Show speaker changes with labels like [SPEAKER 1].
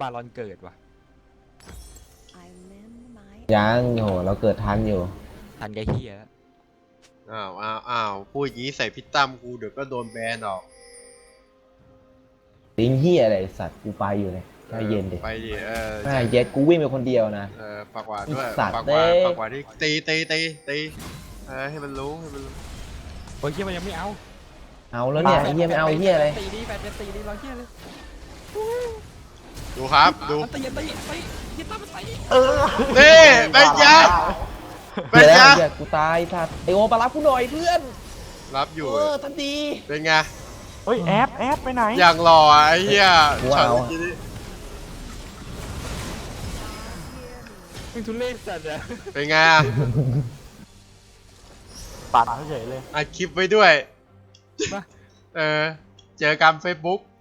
[SPEAKER 1] บารอนเกิดว่ะ
[SPEAKER 2] ยังโหเราเกิดทันอยู่
[SPEAKER 1] ทันไกเฮีย
[SPEAKER 3] อ้าวพูดอย่างนี้ใส่พี่ตั้มกูเดี๋ยวก็โดนแบนออก
[SPEAKER 2] ลิงเฮียอะไรสัตว์กูไปอยู่เลยใจเย็นดิ
[SPEAKER 3] ไปดิ
[SPEAKER 2] ไม่เย็ดกูวิ่งไปคนเดียวนะ
[SPEAKER 3] ปากหวานด้วย
[SPEAKER 2] สัตว์
[SPEAKER 3] ปากหวาน
[SPEAKER 2] เด้
[SPEAKER 3] ปากหวานที่ตีให้มันรู้
[SPEAKER 1] โอ้ยเฮียมันยังไม่เอา
[SPEAKER 2] เอาแล้วเนี่ยไอ้เฮียไม่เอาเฮียอะไร
[SPEAKER 1] ตีดีแฟนตีดีเราเฮียเลย
[SPEAKER 3] ดูครับดู
[SPEAKER 1] ตีเฮียตั้มมันตี
[SPEAKER 3] นี่เป็นยาเป็
[SPEAKER 2] เดี๋
[SPEAKER 3] น
[SPEAKER 2] ยวนะ
[SPEAKER 3] ยา
[SPEAKER 2] เฮียกูตายสัตว์ไอโอมารับกูหน่อยเพื่อน
[SPEAKER 3] รับอยู่
[SPEAKER 2] ทันที
[SPEAKER 3] เป็นไง
[SPEAKER 4] เฮ้ยแอปไปไหน
[SPEAKER 3] อย่างหล่อไอ้เหี้ย
[SPEAKER 2] ว้าว
[SPEAKER 3] ช็อตเมื่อกี้นี่
[SPEAKER 1] มึงทุเรศสัตว์อะ
[SPEAKER 3] เป็นไง
[SPEAKER 4] ปัดเฉยเลย
[SPEAKER 3] อัดคลิปไว้ด้วย เจอกันเฟซบุ๊ก